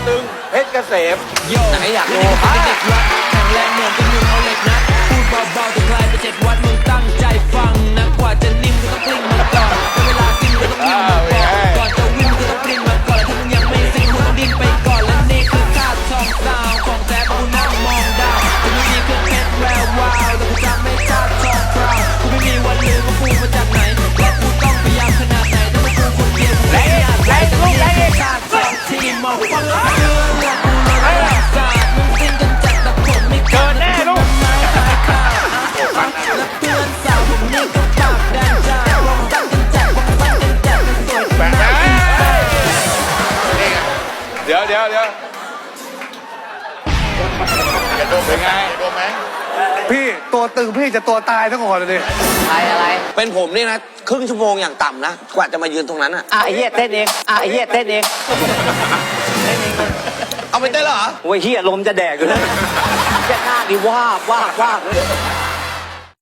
ตึงเพชรเกษมไหนอยากดูแข็งแรงเหมือนเป็นมือเอาเหล็กนะพูดเบาๆแต่คลายไป7 วัดมึงตั้งใจฟังนะกว่าจะนิ่มก็ต้องกลิ้งมันก่อนเวลากิ้งก็ต้องวิ่งมาก่อนจะวิ่งก็ต้องกลิ้งมาก่อนถ้ามึงยังไม่ซิงมึงต้องดิ้นไปก่อนและนี่คือท่าทองดาวของแท้กูนั่งมองดาวกูไม่มีเครื่องเพชรแวววาวแต่กูจำไม่ท่าทองพราวกูไม่มีวันลืมว่ากูมาจากไหนและกูต้องพยายามขนาดไหนถ้าไม่กูคนเดียวกูไม่อาจไปแต่นี่คือท่าทองที่มองฟังเรื่องกูเลยศาสตร์มึงซิงกันจัดแต่ผมไม่เกินแน่ลูกและเพื่อนสาวผมนี่ก็ปากแดงจ้าวงตั้งกันจัดวงตั้งกันจัดมันสวยแปลกเดี๋ยวเป็นไงโดนไหมพี่ตัวตึงพี่จะตัวตายทั้งคนเลยอะไรเป็นผมนี่นะครึ่งชั่วโมงอย่างต่ำนะกว่าจะมายืนตรงนั้นอ่ะไอ้เหี้ยเต้นเองไอ้เหี้ยเต้นเองเอาไปเต้นเหรอโอ้ยเหี้ยลมจะแดกอยู่นะแค่หน้านี่วาบเลย